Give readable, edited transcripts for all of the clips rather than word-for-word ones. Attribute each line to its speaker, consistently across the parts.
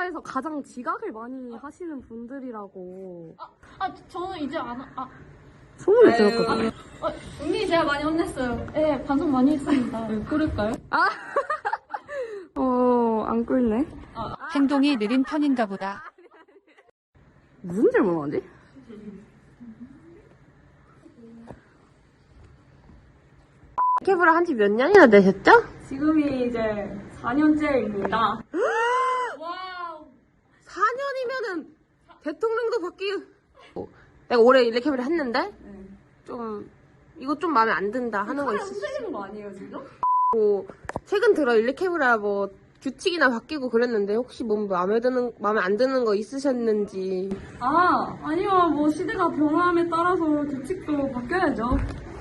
Speaker 1: 우리나라에서 가장 지각을 많이 하시는 분들이라고.
Speaker 2: 저는 이제
Speaker 1: 소문이 들었거든요.
Speaker 2: 은민이 제가 많이 혼냈어요. 네, 반성 많이 했습니다.
Speaker 3: 꿀을까요?
Speaker 1: 안 꿀네.
Speaker 4: 행동이 느린 편인가 보다.
Speaker 1: 무슨 질문하지?
Speaker 5: 케이블을 한 지 몇 년이나 되셨죠?
Speaker 3: 지금이 이제 4년째입니다.
Speaker 2: 와우.
Speaker 5: 4년이면은 대통령도 내가 올해 일렉케이블을 했는데 좀 이거 좀 마음에 안 든다 하는 거 있으시죠?
Speaker 3: 틀리는 거 아니에요 지금?
Speaker 5: 최근 들어 일렉케이블이 뭐 규칙이나 바뀌고 그랬는데 혹시 뭐 마음에 안 드는 거 있으셨는지.
Speaker 3: 아니요. 뭐 시대가 변함에 따라서 규칙도 바뀌어야죠.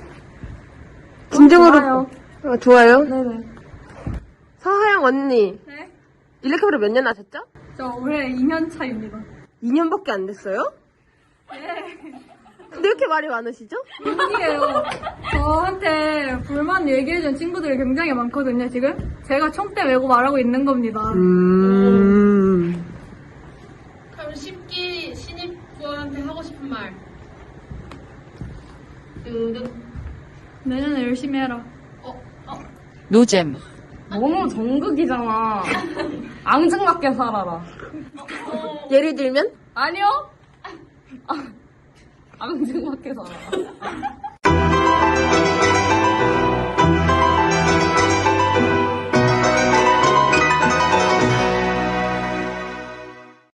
Speaker 5: 진정으로 좋아요?
Speaker 3: 네네.
Speaker 5: 서하영 언니
Speaker 3: 네?
Speaker 5: 일렉케이블을 몇 년 하셨죠?
Speaker 3: 저 올해 2년 차입니다.
Speaker 5: 2년밖에 안 됐어요?
Speaker 3: 네.
Speaker 5: 근데 왜 이렇게 말이 많으시죠?
Speaker 3: 아니에요. 저한테 불만 얘기해준 친구들이 굉장히 많거든요, 지금. 제가 총대 메고 말하고 있는 겁니다.
Speaker 2: 그럼 쉽게 신입부한테 하고 싶은 말.
Speaker 3: 내년에 열심히 해라.
Speaker 4: 노잼.
Speaker 1: 너무 정극이잖아. 앙증맞게 살아라.
Speaker 5: 예를 들면?
Speaker 1: 아니요? 앙증맞게 살아라.